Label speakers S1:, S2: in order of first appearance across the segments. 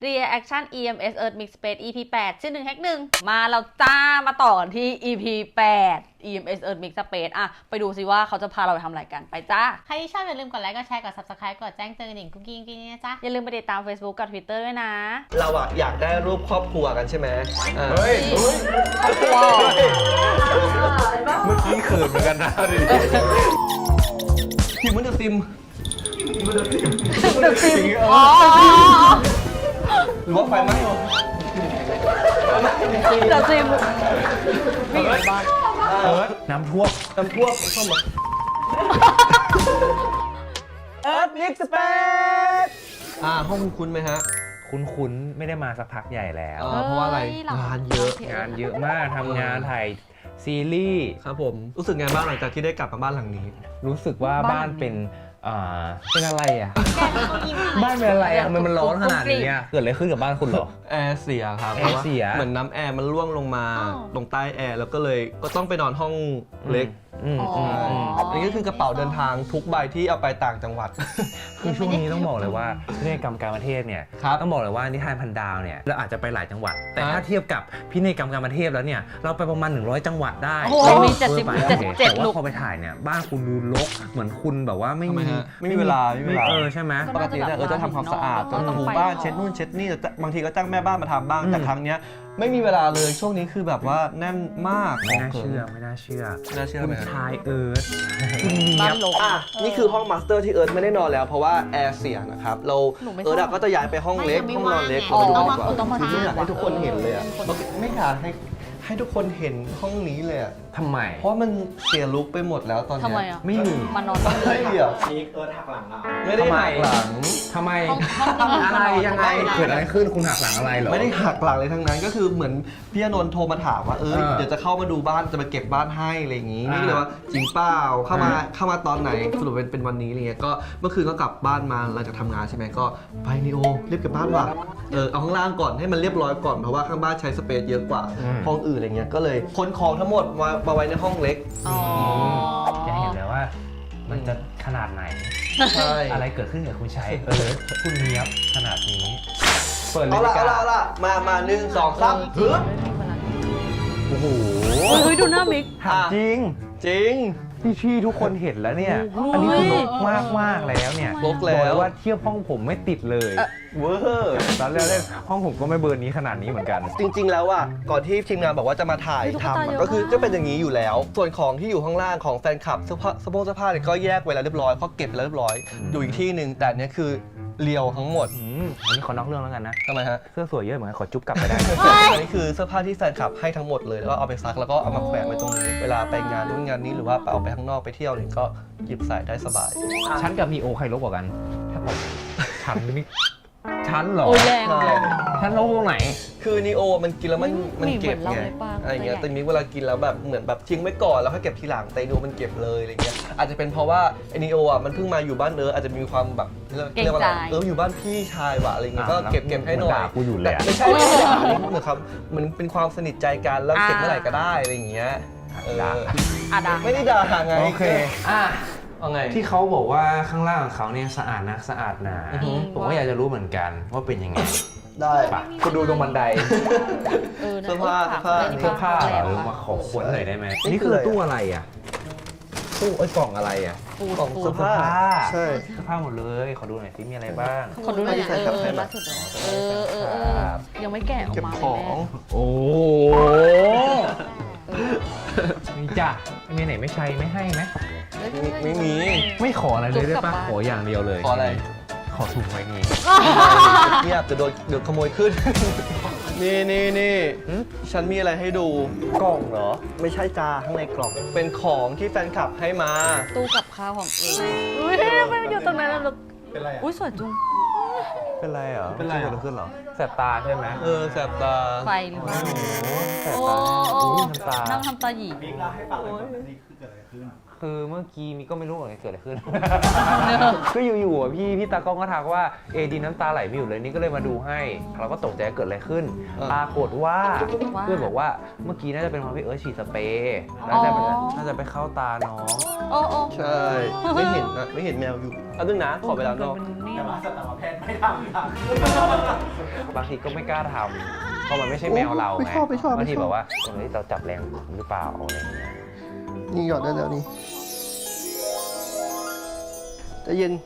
S1: Reaction EMS Earth Mix Space EP 8 ชื่อ1 Hack 1มาแล้วจ้ามาต่อกันที่ EP 8 EMS Earth Mix Space อะไปดูสิว่าเขาจะพาเราไปทำอะไรกันไปจ้า
S2: ใครที่ชอบอย่าลืมกดไลค์กดแชร์กด subscribe กดแจ้งเตือนหนิงกุ๊กกิ๊งนะจ๊ะ
S1: อย่าลืมไปติดตาม Facebook กับ Twitter ด้วยนะ
S3: เราอะอยากได้รูปครอบครัวกันใช่ไหม
S4: เฮ้ย
S1: ครอบครัว
S4: เมื่อกี้เขินเหมือนกันนะดิ
S3: พิมพ์มันจะซิม
S1: เดอะซิมอ๋อ
S3: หรือว่าไฟไหม้
S1: เดอะซิมวิ่งอยู่ในบ้าน
S4: น้ำท่วม
S3: เข้ามาเอิร์ธมิกซ์สเปซห้องคุ้นไหมฮะ
S4: คุ้นๆไม่ได้มาสักพักใหญ่แล้ว
S3: เพราะว่าอะไรงานเยอะ
S4: มากทำงานถ่ายซีรีส์
S3: ครับผมรู้สึกไงบ้างหลังจากที่ได้กลับมาบ้านหลังนี้
S4: รู้สึกว่าบ้านเป็นอะไรอ่ะบ้านเป็นอะไรอ่ะทำไมมันร้อนขนาดนี้เกิดอะไรขึ้นกับบ้านคุณเหรอ
S3: แอร์เสียครับ
S4: แอร์เสีย
S3: เหมือนน้ำแอร์มันร่วงลงมาตรงใต้แอร์แล้วก็เลยก็ต้องไปนอนห้องเล็กอันนี้ก็คือกระเป๋าเดินทางทุกใบที่เอาไปต่างจังหวัด
S4: คือช่วงนี้ต้องบอกเลยว่าพินัยกรรมการประเทศเนี่ยต้องบอกเลยว่านิทานพันดาวเนี่ยเราอาจจะไปหลายจังหวัดแต่ถ้าเทียบกับพินัยกรรมการประเทศแล้วเนี่ยเราไปประมาณ100จังหวัดได้
S1: มี
S4: 77ลูกพอไปถ่ายเนี่ยบ้านคุณดูรกเหมือนคุณแบบว่าไม่
S3: มีเวลา
S4: ใช่ไหม
S3: ปกติจะทำความสะอาดถูบ้านเช็ดนู่นเช็ดนี่บางทีก็จ้างแม่บ้านมาทำบ้างแต่ครั้งนี้ไม่มีเวลาเลยช่วงนี้คือแบบว่าแน่นมาก
S4: ไม่น่าเชื่อคุณชายเอิร์ธ
S1: บ้านลก
S3: นี่คือห้องมาสเตอร์ที่เอิร์ธไม่ได้นอนแล้วเพราะว่าแอร์เสียนะครับเราเอิร์ธก็จะย้ายไปห้องเล็กห้องนอนเล็กเราไปดูกันดีกว่าไม่อยากให้ทุกคนเห็นเลยไม่อยากให้ทุกคนเห็นห้องนี้เลย
S4: ทำไม
S3: เพราะมันเสียลุคไปหมดแล้วตอนนี้
S4: ไม่มี
S1: มานอน
S3: ไม่เดี๋ยว
S5: เอิร์ธหักหลังเรา
S3: ไม่ได้หักหลัง
S4: ทำไมอะไรยังไงเกิดอะไรขึ้นคุณหักหลังอะไรเหรอ
S3: ไม่ได้หักหลังเลยทั้งนั้นก็คือเหมือนพี่อนนท์โทรมาถามว่าเดี๋ยวจะเข้ามาดูบ้านจะมาเก็บบ้านให้อะไรอย่างงี้นี่เลยว่าจริงเปล่าเข้ามาตอนไหนสรุปเป็นวันนี้อะไรเงี้ยก็เมื่อคืนก็กลับบ้านมาหลังจากทำงานใช่ไหมก็ไปนิโอรีบเก็บบ้านว่ะเอาข้างล่างก่อนให้มันเรียบร้อยก่อนเพราะว่าข้างบ้านใช้สเปซเยอะกว่าห้องอื่นอะไรเงี้ยก็เลยขนของทั้งหมดมาไว้ในห้องเล็ก
S4: จะเห็นเลยว่ามันจะขนาดไหนอะไรเกิดขึ้นกับคุณชัยคุณเนี้ยบขนาดนี้
S3: เปิดเลยเอาละมา1 2 3ฮึบ
S4: โอ้โห
S1: ดูหน้ามิก
S4: จริงที่ทุกคนเห็นแล้วเนี่ยอันนี้คือลกมากแล้วเนี่ย
S3: ลกแล้ว
S4: ว่าเทียบห้องผมไม่ติดเลย
S3: เวอร์
S4: ตอนแรกห้องผมก็ไม่เบอร์นี้ขนาดนี้เหมือนกัน
S3: จริงๆแล้วอ่ะก่อนที่ทีมงานบอกว่าจะมาถ่ายทำก็คือจะเป็นอย่างนี้อยู่แล้วส่วนของที่อยู่ข้างล่างของแฟนคลับเสื้อผ้าเนี่ยก็แยกไว้แล้วเรียบร้อยเพราะเก็บแล้วเรียบร้อยอยู่อีกที่หนึ่งแต่เนี้ยคือเรียวทั้งหมด
S4: อันนี้ขอนอกเรื่องแล้วกันนะ
S3: ทำไมฮะ
S4: เสื้อสวยเยอะเหมือนกันขอจุ๊บกลับไปได้
S3: อันนี้คือเสื้อผ้าที่แฟนคลับให้ทั้งหมดเลยแล้วก็เอาไปซักแล้วก็เอามาแขวนไว้ตรงนี้เวลาไปงานนู้นงานนี้หรือว่าเอาไปข้างนอกไปเที่ยวเนี่ยก็หยิบใส่ได้สบาย
S4: ฉันกับมีโอใครลบกว่ากันถ้าผมฉันเหรอ
S1: แรง
S4: ฉันลบตรงไหน
S3: คือนีโอมันกินแล้วมันเก็บไงอะไรเงี้ยแต่มิกเวลากินแล้วแบบเหมือนแบบทิ้งไว้ก่อนแล้วค่อยเก็บทีหลังแต่นีโอมันเก็บเลยอะไรเงี้ยอาจจะเป็นเพราะว่าไอนีโออ่ะมันเพิ่งมาอยู่บ้านอาจจะมีความแบบเรียกว่าอะไรอยู่บ้านพี่ชายว่ะอะไรเงี้ยก็เก็บให้หน่อย
S4: กูอยู่แล้ว
S3: ไม่ใช่เหมือนครับมันเป็นความสนิทใจกันแล้วเก็บเมื่อไหร่ก็ได้อะไรเงี้ยไม่ได้ด่าไง
S4: โอเค
S3: ที่
S4: เขาบอกว่าข้างล่างของเขาเนี่ยสะอาดนะสะอาดหนาผมก็อยากจะรู้เหมือนกันว่าเป็นยังไง
S3: ได้
S4: ปะคุณดูตรงบันได
S3: เสื้อผ้า
S4: มาขอขวนหน่อยได้ไหมนี่คือตู้อะไรอ่ะตู้กล่องอะไรอ่ะ
S3: กล่องเสื้อผ้าใช่
S4: เสื้อผ้าหมดเลยขอดูหน่อยสิมีอะไรบ้าง
S1: ขอดูหน่อยล่าสุดยังไม่แกะออกมา
S3: ของ
S4: โอ้นี่จ้ะมีไหนไม่ใช้ไม่ให้ไหม
S3: ไม่มี
S4: ไม่ขออะไรเลยได้ปะขออย่างเดียวเลย
S3: ขออะไร
S4: ขอถุงไว้นี่
S3: เงียบจะโดนขโมยขึ้นนี่ฉันมีอะไรให้ดูกล่องเหรอไม่ใช่จาข้างในกล่องเป็นของที่แฟนคลับให้มา
S1: ตู้กับข้าวของอุ้ยไม่อยู่ตรงนั้นแล้ว
S3: เป็นไร
S1: อุ้ยสวยจุง
S4: เป็นไรเหรอ
S3: เป็นไร
S4: ขึ้นเหรอแสบตาใช่ไหม
S3: แสบตา
S1: ไฟหรือเปล่า
S4: แสบตา
S1: นั่งทำตาหยี
S5: บิ๊กเล่าให้ฟังเลยว่านี่คือเกิดอะไรขึ้น
S4: คือเมื่อกี้มีก็ไม่รู้ว่าเกิดอะไรขึ้น ก็อยู่ๆอ่ะพี่ตากล้องก็ทักว่าเอดีน้ำตาไหลไม่หยุดเลยนี่ก็เลยมาดูให้ เราก็ตกใจเกิดอะไรขึ้น ปรากฏว่าเพื่อนบอกว่าเมื่อกี้น่าจะเป็นเพราะพี่เอิร์ธฉีดสเปรย์น่าจะไปเข้าตาน้อง
S1: โอ้โอ้
S3: ใช่ ไม่เห็นนะไม่เห็นแมวอยู่เอาดึงนะขอไปแล้วนอก
S2: แต่ว่าสัตวแพทย์ไม่ทำค่ะ
S4: บางทีก็ไม่กล้าทำเพราะมันไม่ใช่แมวเรา
S3: ไม่
S4: ไง
S3: ชอบไม่ชอบ
S4: บางที
S3: ไม่ชอบ
S4: แบบว่าตรงนี้เราจับแรงหรือเปล่าอะไรอย่างเงี้ย
S3: นี่หยอดได้แล้วนี่ใจะเย็น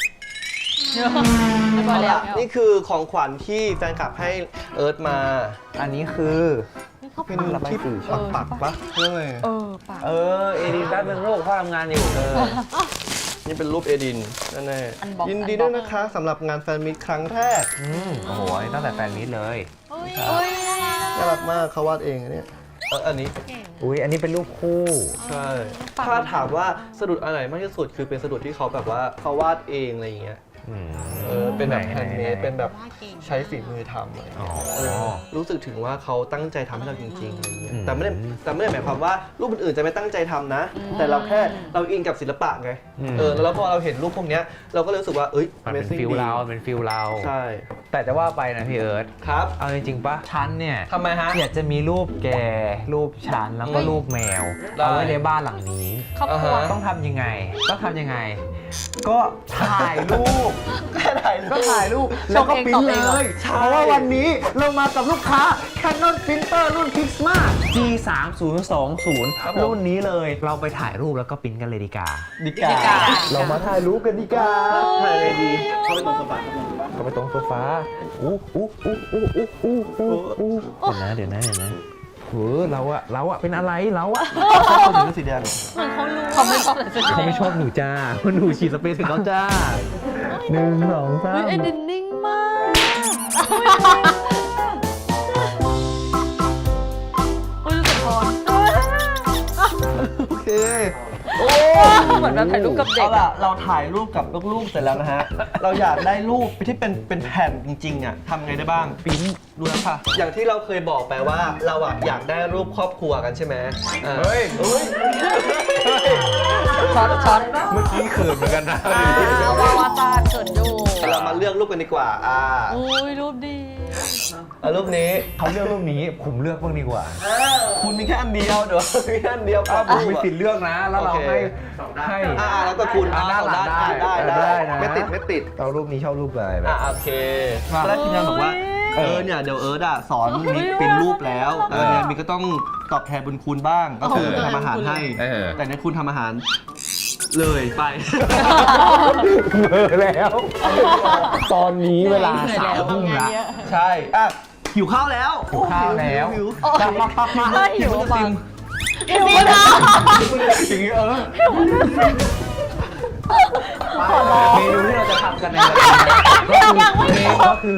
S1: ไม่พอแล้ว
S3: นี่คือของขวัญที่แฟนคลับให้เอิร์ธมา
S4: อันนี้คือ
S3: เป็น
S4: ระบาย
S3: ที่
S4: สี
S3: ปักปะเรื่องอะไร
S1: ปาก
S4: เอดีด้านเป็นโรคพ่อทำงานอยู่
S3: นี่เป็นรูปเอดินแน่
S1: อันบ็อกซ์
S3: ยินดีด้วยนะคะสำหรับงานแฟนมิตครั้งแรก
S4: โอ้โหอันนี้ตั้งแต่แฟนมิตเลย
S1: อุ้ย
S3: น่ารักมากเขาวาดเองอันเนี้ยอันนี้
S4: อุ้ยอันนี้เป็นรูปคู่
S3: ใช่ ถ้าถามว่าสะดุดอันไหนมากที่สุดคือเป็นสะดุดที่เขาแบบว่าเขาวาดเองอะไรอย่างเงี้ย เป็นแบบแฮนด์เมดเป็นแบบใช้ฝีมือทำอะไรอย่างเงี้ยรู้สึกถึงว่าเขาตั้งใจทำให้เราจริงๆอะไรอย่างเงี้ยแต่ไม่ได้หมายความว่ารูปอื่นๆจะไม่ตั้งใจทำนะ แต่เราแค่เราอินกับศิลปะไงแล้วพอเราเห็นรูปพวกเนี้ยเราก็รู้สึกว่า
S4: มันเป็นฟิลเราเป็นฟิลเรา
S3: ใช่
S4: แต่จะว่าไปนะพี่เอิร์ธ
S3: ครับ
S4: เอาจริงๆปะฉันเนี่ย
S3: ทำไมฮะ
S4: อยากจะมีรูปแกรูปฉันแล้วก็รูปแมว
S3: ได้
S4: เอาไว้ในบ้านหลังนี้
S1: ครอบครัว
S4: ต้องทำยังไง ก็ถ่ายรูป ก็ถ่ายรูปแล้วก็ปริ้นเลย เพราะว่าวันนี้เรามากับลูกค้า Canon Printer รุ่น Pixma G3020 รุ่นนี้เลย เราไปถ่ายรูปแล้วก็ปริ้นกันเลยดีกว่า
S3: ดีกาเรามาถ่ายรูปกันดีกาถ่ายเลยดี
S2: เข้าไปตรงโซฟา
S4: ก็ไปตรงโซฟาเดี๋ยวนะเราอะเป็นอะไรเราอะ
S3: คนถือสีแดง
S1: เหมือนเขารู้เขาไม่ชอบแต่
S4: เขาไม่ชอบหนูจ้าเพราะหนูฉีดสเปรย์ถึงเขาจ้า1 2 3
S1: เอ็ดินนิ่งมากอุ้ยรู้สึกพร
S3: โอเค
S1: เหมือนแบบถ่ายรูปกับเด็
S3: เอา
S1: ก
S3: ล่ะเราถ่ายรูปกับลูกๆเสร็จแล้วนะฮะ เราอยากได้รูปที่เป็นแผ่นจริงๆอ่ะทำไงได้บ้างปริ้นดูนะค่ะ อย่างที่เราเคยบอกไปว่าเราอ่ะอยากได้รูปครอบครัวกันใช่ไหมเฮ้ย
S1: ช็อต
S4: เมื่อกี้เขินเหมือนกันนะ
S1: วาตาเกิดอยู่
S3: เรามาเลือกรูปกันดีกว่า
S1: อุ้ยรูปดี
S3: เอารูปนี้
S4: เขาเลือกรูปนี้ผมเลือกบ้างดีกว่า
S3: คุณมีแค่อันเดียวเดี๋ยวมีแค่อันเดียว
S4: ผมมีสิทธิ์เลือกนะ แล้วเราให้
S3: แล้วก็คุณ
S4: ด้านหลังได้นะ
S3: ไม่ติด
S4: เอารูปนี้ชอบรูปอะไรแบบ
S3: โอเคแล้วทีมงานบอกว่าเนี่ยเดี๋ยวเอิร์ธสอนมิกเป็นรูปแล้วเนี่ยมิกก็ต้องตอบแทนบุญคุณบ้างก็คือทำอาหารให้แต่ในคุณทำอาหารเลยไป
S4: แล้ว ตอนนี้เวลา3 ทุ่มละ
S3: ใช่หิวข้าวแล้ว
S4: หิวข้าวแล้ว
S3: หิว
S1: หิวมาก
S3: อย่างนี้
S4: เมนูที่เราจะทำกันในวันนี้ก็คือ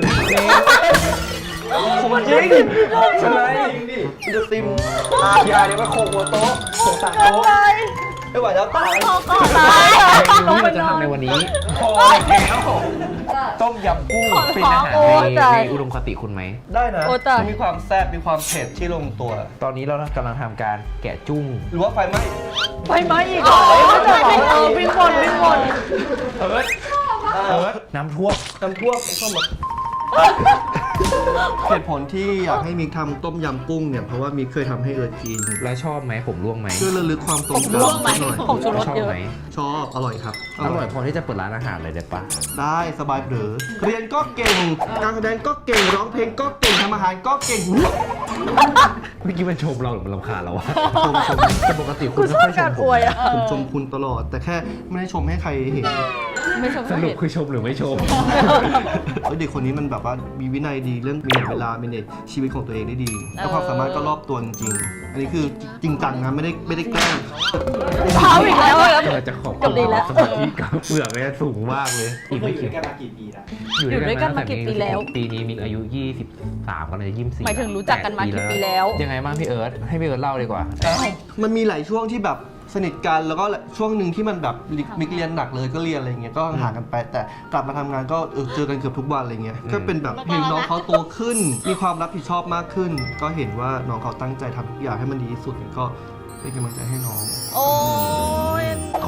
S3: ผมจริงใช่ไหมจะซิมอย่าเดี๋ยวไปโขกหัวโต๊ะโขกสั่งโต๊ะไม่ไหวแล้วตาย
S4: เมนูที่เราจะทำในวันนี้พอแล้วต้มยำกุ้งเป็นอาหารในอุดมคติคุณไหม
S3: ได้นะมีความแซ่บมีความเผ็ดที่ลงตัว
S4: ตอนนี้เรากำลังทำการแกะจุ้ง
S3: หรือว่าไฟไหม้
S1: อีกเหรอวิ่งวน
S3: เอิร์ธ
S4: น้ำท่วม
S3: เข้ามาเหตุผลที่อยากให้มิกทำต้มยำกุ้งเนี่ยเพราะว่ามิกเคยทำให้เอิร์ธกิน
S4: แล้วชอบไหมผมร่วงไหม
S3: เพื่อระลึกความทรงจำ
S1: ร่วงไหม
S3: หน่อย
S1: ของชูรส
S4: ชอบ
S1: เยอะ
S4: ไหม
S3: ชอบอร่อยครับ
S4: อร่อยพอที่จะเปิดร้านอาหารเลยได้ปะ
S3: ได้สบายเผลอเรียนก็เก่งการแสดงก็เก่งร้องเพลงก็เก่งทำอาหารก็เก่ง
S4: เมื่อกี้มันชมเราหรือมันรำคาญเราวะ
S3: ชม
S4: แต่ปกติคุณไม่ค่อยชมผม
S3: ผมชมคุณตลอด แต่แค่ไม่ได้ชมให้ใครเห็น
S1: ไม่ชม
S4: สรุปคือชมหรือไม่ชม
S3: เด็กคนนี้มันแบบว่ามีวินัยดีเรื่องมีเวลา manage ชีวิตของตัวเองได้ดีแล้วความสามารถก็รอบตัวจริงๆอันนี้คือจริงจังนะไม่ได้แกล้ง
S1: เท้าอีกแล้วครับ
S4: เราจะขอบคุณสมาธิกับเปลือกเนี่ยสูงมากเลยอีกไม่กี่
S2: กันมากี่ปีแล้ว
S1: อยู่ด้วยกันมากี่ปีแล้ว
S4: ปีนี้มิกอายุ23ก็เลย24
S1: หมายถึงรู้จักกันมากี่ปีแล้ว
S4: ยังไงบ้างพี่เอิร์ธให้พี่เอิร์ธเล่าดีกว่า
S3: มันมีหลายช่วงที่แบบสนิทกันแล้วก็ช่วงหนึ่งที่มันแบบมิกเรียนหนักเลยก็เรียนอะไรเงี้ยก็ห่างกันไปแต่กลับมาทำงานก็เจอกันเกือบทุกวันอะไรเงี้ยก็เป็นแบบเห็นน้องเขาโตขึ้น มีความรับผิดชอบมากขึ้น ก็เห็นว่าน้องเขาตั้งใจทำทุกอย่างให้มันดีที่สุดก็เป็นกำลังใจให้น้อง
S1: โอ้ย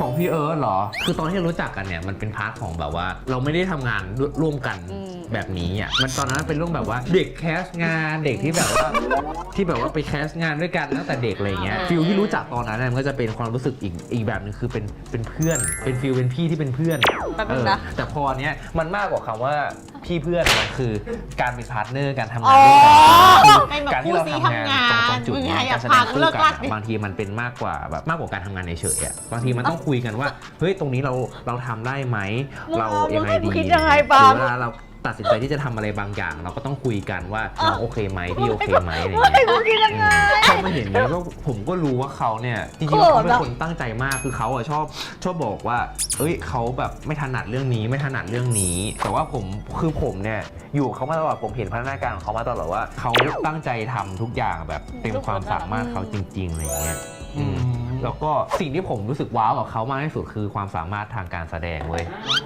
S4: ของพี่เอิร์ธเหรอ คือตอนที่เรารู้จักกันเนี่ยมันเป็นพาร์ทของแบบว่า เราไม่ได้ทำงานร่วมกันแบบนี้อ่ะมันตอนนั้นเป็นเรื่องแบบว่าเด็กแคสงานเด็กที่แบบว่าไปแคสงานด้วยกันตั้งแต่เด็กอะไรเงี้ยฟิลที่รู้จักตอนนั้นมันก็จะเป็นความรู้สึกอีกแบบนึงคือเป็นเพื่อนเป็นฟิลเป็นพี่ที่เป็นเพื่อน
S1: แป๊บนึงนะ
S4: แต่พอเนี้ยมันมากกว่าคำว่าพี่เพื่อนมันคือการเป็นพาร์ทเนอร์การทำงานด้วยกัน
S2: เป็นแบบ
S4: การที่เรา
S2: คู่ซี
S4: ทำงาน
S2: ทำงาน
S4: ตรงจุด
S2: มึง
S4: เนี้ย
S2: อย่า
S4: การแสด
S2: พาง กู
S4: คู่
S2: เลิก
S4: กั
S2: ลั
S4: น
S2: กดิ
S4: บางทีมันเป็นมากกว่าแบบมากกว่าการทำงานเฉยๆอ่ะบางทีมันต้องคุยกันว่าเฮ้ยตรงนี้เราทำได้ไหมเรายังไงดี
S1: มึงคิดยังไงปาล์ม
S4: เวลาเราตัดสินใจที่จะทำอะไรบางอย่าง เราก็ต้องคุยกันว่าน้องโอเคไหมพี่โอเคไหมอะไรอย่างเงี้ย
S1: มึงคิดยังไง
S4: พอมาเห็นเนี้ยก็ผมก็รู้ว่าเขาเนี่ยจริงๆแล้วเขาเป็นคนตั้งใจมากคือเขาอะชอบบอกว่าเอ้ยเขาแบบไม่ถนัดเรื่องนี้ไม่ถนัดเรื่องนี้ แต่ว่าผมเนี่ยอยู่กับเขามาตลอดผมเห็นพัฒนาการของเขามาตลอดว่าเขาตั้งใจทำทุกอย่างแบบเต็มความสามารถเขาจริงๆอะไรอย่างเงี้ยแล้วก็สิ่งที่ผมรู้สึกว้าวกับเขามากที่สุดคือความสามารถทางการแสดงเว้ย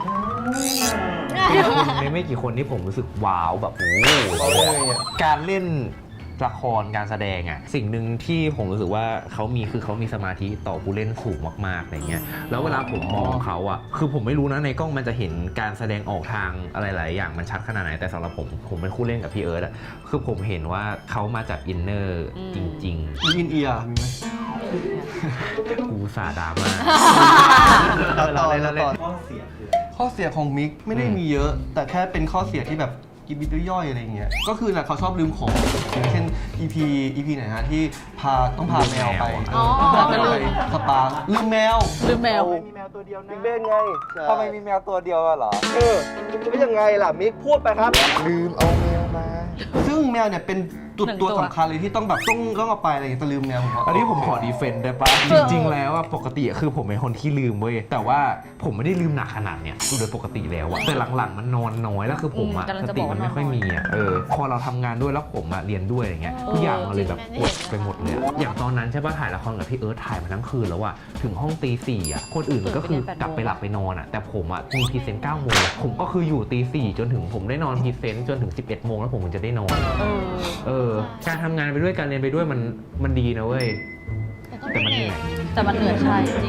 S4: ไม่กี่คนที่ผมรู้สึกว้าวแบบโอ้โหการเล่นละครการแสดงอ่ะสิ่งหนึ่งที่ผมรู้สึกว่าเขามีสมาธิต่อผู้เล่นสูงมากๆอะไรเงี้ยแล้วเวลาผมมองเขาอ่ะคือผมไม่รู้นะในกล้องมันจะเห็นการแสดงออกทางอะไรหลายอย่างมันชัดขนาดไหนแต่สำหรับผมเป็นคู่เล่นกับพี่เอิร์ธอ่ะคือผมเห็นว่าเขามาจากอินเนอร์จริง
S3: มีอินเอียร์มีไหม
S4: ๆกูสาดราม่า
S3: ต่อข้อเสียของมิกไม่ได้มีเยอะ แต่แค่เป็นข้อเสียที่แบบกิบยิบย่อยอะไรเงี้ยก็คือน่ะเขาชอบลืมของอย่างเช่น EP ไหนฮะที่ต้องพาแมวไป
S1: อ๋อ
S3: พาแมวไปสปาลืมแมว
S1: ลืมแมว
S3: มีแมวตัวเดียวนะมิกเบ้นไงทำไมมีแมวตัวเดียวเหรอไม่ยังไงล่ะมิกพูดไปครับลืมเอาแมวมาซึ่งแมวเนี่ยเป็นตัวสำคัญเลยที่ต้องแบบต้องเอาไปอะไรอย่างเงี้ยแต่ลืมแมวผมว่า
S4: อันนี้ผมขอดีเฟนต์ได้ปะจริงๆแล้วอะปกติคือผมเป็นคนที่ลืมเว้ยแต่ว่าผมไม่ได้ลืมหนักขนาดเนี้ยโดยปกติแล้วอะแต่หลังๆมันนอนน้อยแล้วคือผมอะ
S1: กำลัง
S4: ส
S1: จะ
S4: ติ
S1: บอก
S4: มั
S1: ว่าน
S4: ไม่ค่อยมีอะพอเราทำงานด้วยแล้วผมอะเรียนด้วยอะไรเงี้ยทุกอย่างมันเลยแบบปวดไปหมดเลยอะอย่างตอนนั้นใช่ปะถ่ายละครกับพี่เอิร์ธถ่ายมาทั้งคืนแล้วอะถึงห้องตี 4อะคนอื่นก็คือกลับไปหลับไปนอนอะแต่ผมอะมีพรีเซนต์ 9 โมงผมก็คืออยู่ตี 4จนถึงผมได้นอนพรีเซนต์จนถึง 11 โมงแล้วผมถึงจะได้นอนการทำงานไปด้วยการเรียนไปด้วยมันดีนะเว้ยแต่มันเหนื่อย
S1: แต่มันเหนื่อยใช่จริง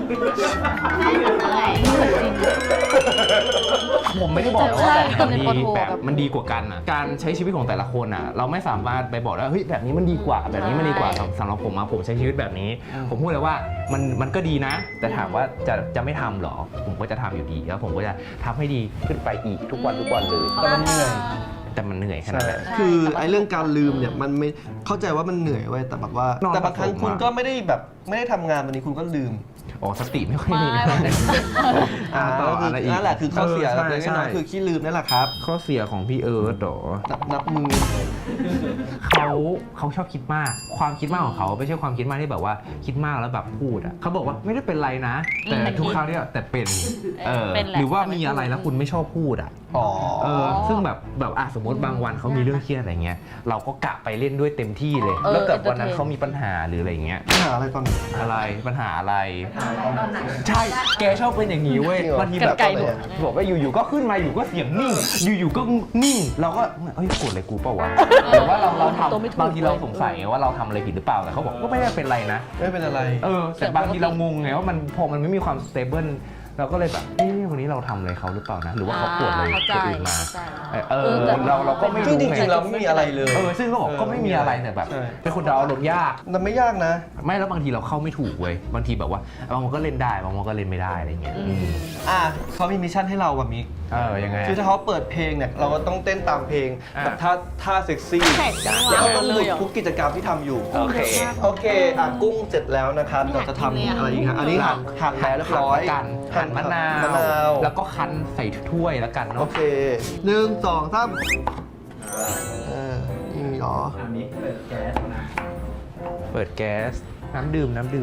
S4: ผมไม่ได้บอกว่าแบบ
S1: ใช่
S4: มันดี
S1: เป็นคนโทร
S4: แบบมันดีกว่ากันอ่ะการใช้ชีวิตของแต่ละคนอ่ะเราไม่สามารถไปบอกว่าเฮ้ยแบบนี้มันดีกว่าแบบนี้มันดีกว่าสำหรับผมผมใช้ชีวิตแบบนี้ ผมพูดเลยว่ามันก็ดีนะ แต่ถามว่าจะไม่ทำหรอผมก็จะทำอยู่ดีแล้วผมก็จะทำให้ดีขึ้นไปอีกทุกวันเลย
S3: แต่มันเหนื่อย
S4: แต่มันเหนื่อยขนาดนั้น
S3: คือไอ้เรื่องการลืมเนี่ยมันไม่เข้าใจว่ามันเหนื่อยไว้ยแต่แบบว่าน
S4: อน
S3: แต่บางครั้ง
S4: ผสม
S3: คุณ
S4: อะ
S3: ก็ไม่ได้ทำงานวันนี้คุณก็ลืม
S4: อ๋อสติไม่ค่อยมี ต่ออะไรอีก
S3: นั่นแหละคือข้อเสีย
S4: ใช่
S3: เล็ก
S4: ใช่
S3: น้อยๆคือขี้ลืมนั่นแหละครับ
S4: ข้อเสียของพี่เอิร์ธเหรอ
S3: นับมือ
S4: เขาชอบคิดมาก ความคิดมากของเขาไม่ใช่ความคิดมากที่แบบว่าคิดมากแล้วแบบพูดอ่ะเขาบอกว่าไม่ได้เป็นไรนะ แต่ทุกครั้งที่แต่เป็น
S1: เป็นแหละ
S4: หรือว่ามีอะไรแล้วคุณไม่ชอบพูดอ่ะ
S3: อ๋อ
S4: ซึ่งแบบสมมติบางวันเขามีเรื่องเครียดอะไรเงี้ยเราก็กะไปเล่นด้วยเต็มที่เลย แล้วเกิดวันนั้นเขามีปัญหาหรืออะไรเงี้ย
S3: ปัญหาอะไรตอนนี้
S4: อะไรปัญหาอะไร ใช่แกชอบเป็นอย่างนี้เว้ย
S3: จริงเหรอ
S4: บางทีแบบ
S1: ไกลๆหนู
S4: บอกว่าอยู่ๆก็ขึ้นมาอยู่ก็เสียงนิ่งอยู่ๆก็นิ่งเราก็เฮ้ยโกรธอะไรกูเปล่าวะหรือว่าเรา
S1: ตัวไม่ถูก
S4: ทำบางทีเราสงสัยไงว่าเราทำอะไรผิดหรือเปล่าแต่เขาบอกก็ไม่ได้เป็นไรนะ
S3: ไม่เป็นอะไร
S4: แต่บางทีเรางงไงว่ามันพอมันไม่มีความสเตเบิลเราก็เลยแบบวันนี้เราทำอะไรเขาหรือเปล่านะหรือว่าเขาโกรธอะไร
S1: เข้าใจ
S4: คนอื่นมา
S1: เข้าใจ
S4: เราก็ไม่
S3: ซึ่ง
S4: รู้
S3: จ
S4: ไง
S3: ริงๆเราไม่มีอะไรเลย
S4: ซึ่งก็บอกก็ไม่มีอะไรแต่แบบ
S3: ใช่
S4: เป็นคนเราอารมณ์ยาก
S3: มันไม่ยากนะ
S4: ไม่แล้วบางทีเราเข้าไม่ถูกเว้ยบางทีแบบว่าบางวันก็เล่นได้บางวันก็เล่นไม่ได้อะไรเงี้ย
S3: เขามีมิชชั่นให้เราแบบมิก
S4: ยังไง
S3: คือถ้าเขาเปิดเพลงเนี่ยเราก็ต้องเต้นตามเพลง
S4: อ่ะ
S3: แบบท่าเซ็กซี่
S1: แข่งกัน
S3: แล้วก็ต้องห
S1: เล
S3: ยุ
S1: ย
S3: ด
S1: เหรอ
S3: ทุกกิจกรรมที่ทำอยู่
S4: โอเค
S3: กุ้งเสร็จแล้วนะครับเราจะทำอะไรอีกฮะอันนี้หั่นแล้วเรียบร้อย
S4: กันหั่นมะนาว แล้วก็คั้นใส่ถ้วยแล้วกัน
S3: โอ
S4: เนาะ
S3: เค1 2 3นี่เหรอ
S4: เปิดแก๊สน้ำดื่มพี่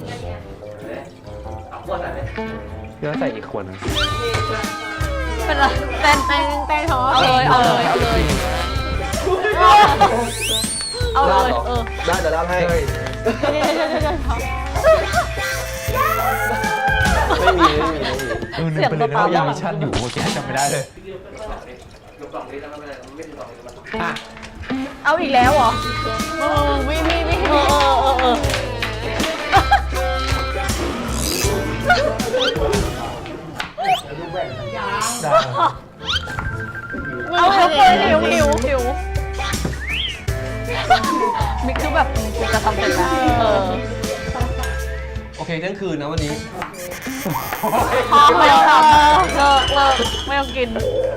S4: ว่าใส่อีกคน
S1: เป็นไรเต้น
S2: แป้งท้อ
S1: เอาเลยเอาเลยเอาเลยเอาเลย
S3: ได้เดี๋ยวรับให้ไม่มี
S4: นึกไปเลยนะว่ายังมีชั่นอยู่เมื่อกี้จำไม่ได้เลยอ่ะ
S1: เอาอีกแล้วเหรอ
S2: ไม่
S1: เออ
S4: จัง
S1: เอาหิวมิกคือแบบกูจะทำเสร็จแล้ว
S3: โอเคเที่ยงคืนนะวันนี้
S1: พอไม่ต้องทำเลิกไม่ต้องกิน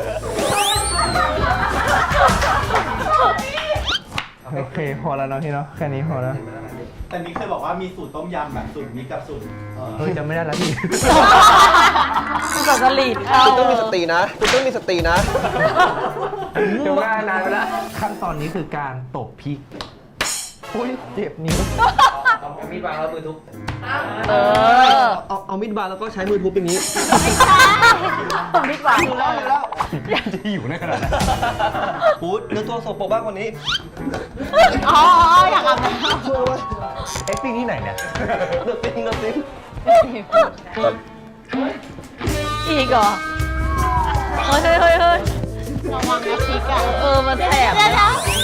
S4: โอเคพอแล้วเนาะพี่เนาะแค่นี้พอแล้ว
S5: แต่มิกเคยบอกว่ามีสูตรต้มยำแบบสูตรมิกกับสูตร
S4: เฮ้ยจำไม่ได้แล้วพี่
S1: กูกับสลีดเข้า
S3: คุณต้องมีสตินะคุณต้องมีสตินะ
S4: จำไม่ได้นานไปแล้วขั้นตอนนี้คือการตบพริกอุ้ยเจ็บนิ้ว
S3: เอามีดวางแล้วมือทุบ
S1: เออ
S3: เอามีดวางแล้วก็ใช้มือทุบอย่างนี้
S1: มิกหวาน
S4: จะอยู่ได้ขนาดนั้น
S3: พูดเนื้อตัวโสโปรกบ้างวันนี้
S1: อ๋ออยากอาบน้
S4: เอ็กซ์ติ้งที่ไหนเนี่ย
S3: เนื้อติ้ง
S1: ำอีกเหรอเฮ้ย
S2: ระวังนะพริกอ่ะ
S1: มันแสบเลย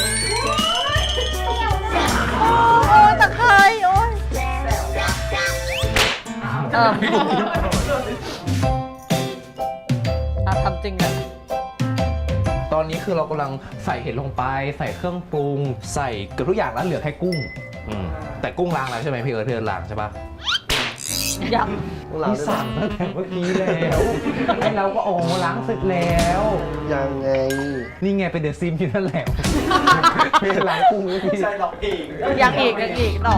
S1: โอ้ยตะไคร้โอ้ยทำจริงอะ
S4: ตอนนี้คือเรากำลังใส่เห็ดลงไป ใส่เครื่องปรุง ใส่เกือบทุกอย่างแล้วเหลือแค่กุ้งแต่กุ้งล้างแล้วใช่ไหมพี่เธอล้างใช่ปะ
S1: ยัง
S4: พี่สั่งตั้งแต่เมื่อกี้แล้วไอ้เราก็โอ้ล้างเสร็จแล้ว
S3: ยังไง
S4: นี่ไงเป็นเดอะซิมที่นั่นแหละไม่ได้ล้างกุ้งเลยพี่
S5: ใช่หรอกเอง
S1: ยังอีกหรอ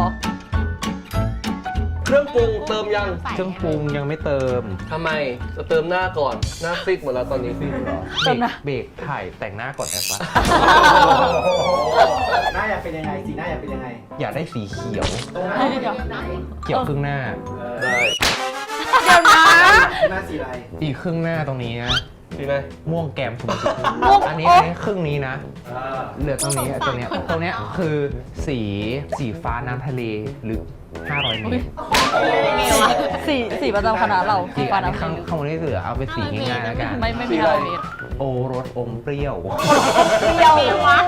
S3: เครื่องปรุงเติมยัง
S4: เครื่องปรุงยังไม่เติม
S3: ทำไมจะเติมหน้าก่อนหน้าซิกหมดแล้วตอนนี้
S1: เติมนะ
S4: เบรกถ่ายแต่งหน้าก่อนได้ปะ
S5: หน้าอยากเป็นยังไงสีหน้าอยากเป็นยังไง
S4: อยากได้สีเขียว
S5: ตรงไหน
S1: เดี๋ยว
S4: เขียวครึ่งหน้า
S3: ได้
S1: เดี๋ยวนะ
S5: หน้าสีอะไร
S4: อีกครึ่งหน้าตรงนี้นะ
S3: ดีไหม
S4: ม่วงแกมชมพู
S1: ม่วง
S4: อันนี้ครึ่งนี้นะ เหลือตรงนี้ตรงเนี้ยคือสีฟ้าน้ำทะเลหรือ500 เมตร
S1: สีประจำคณะเรา
S4: อีก
S1: ฟ้า
S4: อันนี้
S1: น้ำ
S4: ข้างบนนี้เหลือเอาเป็นสีง่ายๆแล้วกัน
S1: ไม่มีอะไรเลย
S4: โอรสอมเปรี้ยว
S1: เดียววะ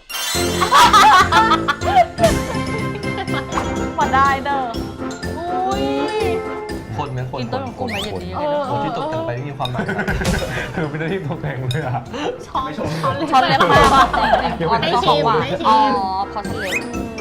S1: มาได้เด้ออุ้ย
S3: คนไหมคน
S1: กินต้นของกุ้งไหมอย่างนี้ยังไงนะ
S3: คนที่ตกแต่งไปไม่มีความหมาย
S4: คือเป็นหน้าที่ตกแต่งเลยอะ
S1: ช้อนเล็บมากอ่ะจริงๆอ๋อ
S2: ไม่
S1: ต้อง
S2: ชิ
S1: บอก
S2: ม
S1: ว่า
S2: ไม่ชิ
S1: อ๋อ
S2: ม
S1: เพราะช้อนเล็บ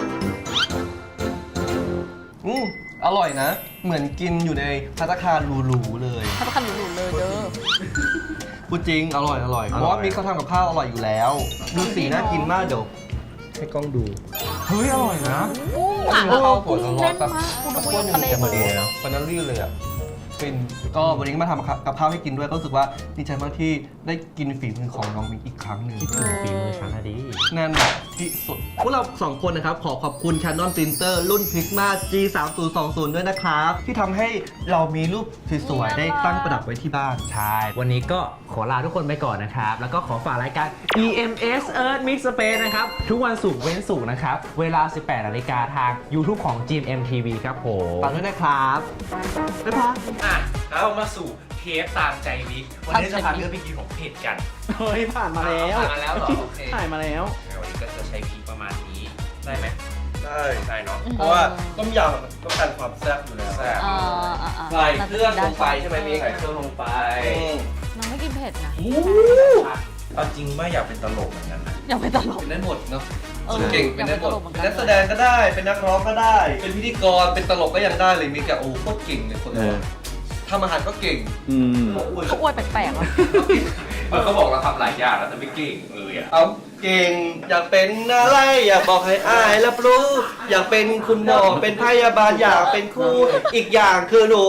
S3: อร่อยนะ เหมือนกินอยู่ในภัตตาคารหรูๆเลย
S1: ถ้าขันหนูเลยเด้อ
S3: พูดจริง อร่อย เพราะว่ามิกเขาทำกับข้าวอร่อยอยู่แล้ว ดูสีน่ากินมากเดี๋ยวให้กล้องดู
S4: เฮ้ยอร่อยนะ
S3: ข้าวสวยร้อนๆแบบ
S1: กุ้ง
S3: กับ
S1: เล่
S3: ข้าวน เหนียว
S1: มาก
S3: จะมาดีเลยเนาะวันนั้นรีบเลยอ่ะฟินก็วันนี้มาทำกับข้าวให้กินด้วยก็รู้สึกว่าดีใจมากที่ได้กินฝีมือของน้องมิกอีกครั้งหนึ่ง
S4: ฝีมือฉันอะดี
S3: แน่นอนที่สุด พวกเรา 2 คนนะครับ ขอขอบคุณ Canon Printer รุ่น Prisma G3020 ด้วยนะครับ ที่ทำให้เรามีรูปสวยๆได้ตั้งประดับไว้ที่บ้าน
S4: ใช่ วันนี้ก็ขอลาทุกคนไปก่อนนะครับ แล้วก็ขอฝากรายการ EMS Earth Mix Space นะครับ ทุกวันศุกร์เว้นศุกร์นะครับ เวลา 18 นาฬิกาทาง YouTube ของ GMM TV ครับผม
S3: ฝากด้วยนะครับบ๊ายบาย
S6: อ่ะแล้วเรามาสู่เทปตามใจวิกวันนี้จะพาเพื่อนไปกินของเผ็ดกัน
S5: เฮ้ยผ่านมาแล้ว
S6: ผ่านมาแล้วเหรอโอเค
S5: ถ่ายมาแล้ว
S6: วันนี้ก็จะใช้พริกประมาณนี้ได้ไหม
S3: ได้
S6: ได้เนาะ
S3: เพราะว่าต้มยำต้องการความแซ่บอยู่แล้ว
S6: แซ่บ
S1: อ่า
S6: ใส่เครื่องลงไปใช่ไหมมีใส่เครื่องลงไป
S1: น้องไม่กินเผ็ดนะ
S6: เอาจริงไม่อยากเป็นตลกเหมือนกันนะ
S1: อย่าไปตลก
S3: เป็นได้หมดเนาะ
S1: เออ
S3: เก่งเป็นได้หมด
S1: อยากเป็นตลกเหมือนกัน
S3: เป็นนักแสดงก็ได้ เป็นนักร้องก็ได้ เป็นพิธีกร เป็นตลกก็ยังได้เลยมิกอะโอ้โคตรเก่งเลยคนเราทำอาหารก็เก่ง
S1: เขาอวยแปลกๆอ่ะ
S6: เขาบอกเราทำหลายอย่างแล้วแต่ไม่เก่งเลยอ่ะ
S3: เอาเก่งอยากเป็นอะไรอยากบอกให้อายรับรู้ อยากเป็นคุณหมอเป็นพยาบาลอยากเป็นครูอีกอย่างคือหนู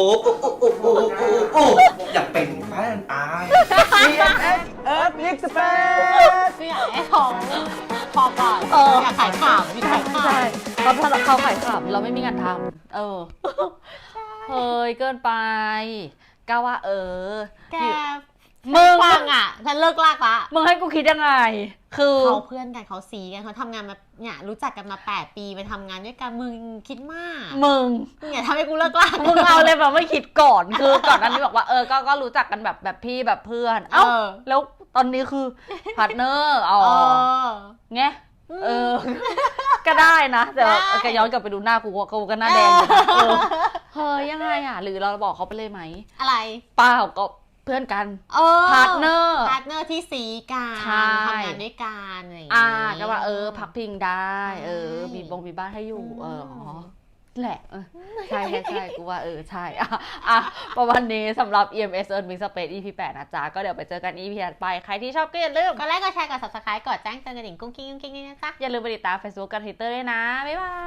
S3: อยากเป็นแฟนอาย
S4: Earth Mix Space
S2: คืออยากให้ของพอก่อนอยากขายข่าวมีขายข่าว
S1: ใช่เขาถ้าเขาขายขำเราไม่มีงานทำเฮ้ยเกินไปก้าวว่า
S2: แก
S1: มึง
S2: ฟังอ่ะฉันเลิกลากละ
S1: มึงให้กูคิดยังไง คือ
S2: เขาเพื่อนกันเขาซีกันเขาทำงานมาเนี่ยรู้จักกันมา8 ปีไปทำงานด้วยกันมึงคิดมาก
S1: มึง
S2: มึงอย่าทำให้กูเลิกลาก
S1: มึงเอาเลยแบบไม่คิดก่อน คือก่อนหนั้นนี่บอกว่าก็รู้จักกันแบบพี่แบบเพื่อน เอ้าแล้วตอนนี้คือพาร์ทเนอร์อ๋อไงก็ได้นะแต่แกย้อนกลับไปดูหน้ากูก็หน้าแดงอยู่นะเฮ้ยยังไงอ่ะหรือเราบอกเขาไปเลยไหม
S2: อะไร
S1: เปล่าก็เพื่อนกัน
S2: พา
S1: พาร์ทเนอร์
S2: ที่สีกัน
S1: ใช่
S2: ทำงานด้วยกันอะไรอย่างงี้
S1: ก็ว่าพักพิงได้
S2: ใช่
S1: มีบ้านให้อยู่แหละใช่กูว่าใช่ประมาณนี้สำหรับ EMS Earn Mix Space EP 8นะจ๊ะก็เดี๋ยวไปเจอกัน EP ถัดไปใครที่ชอบก็อย่าลืม
S2: ก็ไลค์กดแชร์กด subscribe กดแจ้งเตือนกระดิ่งกุ้งกิ้งนี่นะจ๊ะ
S1: อย่าลืมไปติดตาม Facebook กับ Twitter ด้วยนะบ๊ายบาย